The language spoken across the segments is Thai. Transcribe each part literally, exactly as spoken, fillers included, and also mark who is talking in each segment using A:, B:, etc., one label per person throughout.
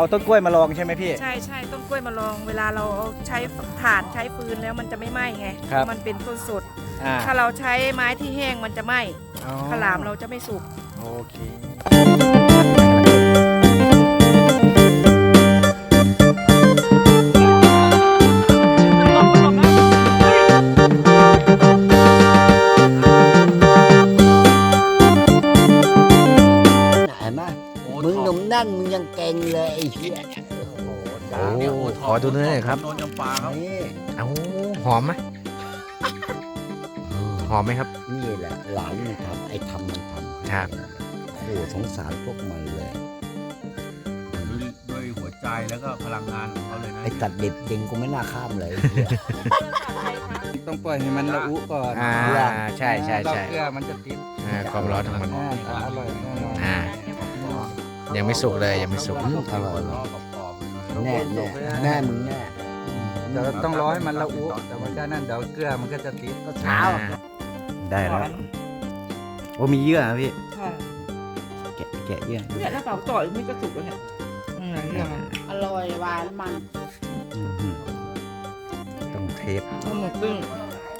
A: ต้นกล้วยมาลองใช่ไหมพี่
B: ใช่ใช่ต้นกล้วยมาลองเวลาเราใช้ถ่านใช้ฟืนแล้วมันจะไม่ไหม้ไงเพราะมันเป็นต้นสดถ้าเราใช้ไม้ที่แห้งมันจะไหม้ข้าวหลามเราจะไม่สุก
A: โอเค
C: มึงหนุ่มนั่นมึงยังเก่งเลยไอ้เหี้ย
A: โอ้ขอดูเนื้อหน่อยครับ
D: โดนจำปาครับ
C: นี่
A: เอ้าหอมไหมหอมไหมครับ
C: นี่แหละหลานมันทำไอ้ทำมันทำ
A: ครับ
C: โอ้สงสารพวกมันเลย
D: ด้วยด้วยหัวใจแล้วก็พลังงานของเขาเลยนะ
C: ไอ้ตัดเด็ดเด็งกูไม่น่าข้ามเลยไอ้เหี้ย
E: ต้องปล่อยให้มันละอุก่อน
A: อ่าใช่ใช่ใช่
E: เราเกลือมันจะติด
A: อ่าความร้อนของมัน
E: อ่าแต่อร่อยแน่นอน
A: อ่ายังไม่สุกเลยยังไม่สุก
C: อืมอร่อย
D: ล้อกรอบๆ
C: แน่แน่แน่มึงแน่
E: เดี๋ยวต้องรอให้มันละอุแต่มันก็นั่นเดี๋ยวเกลือมันก็จะติดก็เช้า
A: ได้แล้วโอ้มีเยื่อนะพี่
B: ค่ะ
A: แกะแกะเยื่อ
B: เนี่ยถ้าเปล่าต่อยไม่ก็สุกแล้วเนี่ยอืมเนี่ยมัน
F: อร่อยหวานมัน
A: อื้อหือต้องเทส
B: เอาหมกปิ้ง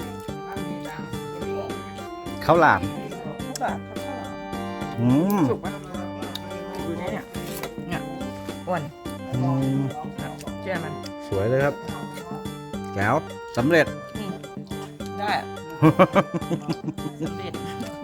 A: ข้าวหลาม
B: ทุกแบบข้าวหลาม
A: อืม
B: สุกปะดูเนี่ยเนี่ยเนี่ยอ้วน
A: อืม
B: เชื่อมัน
A: สวยเลยครับแก้วสำเร็จ
B: ได้สำเร็จ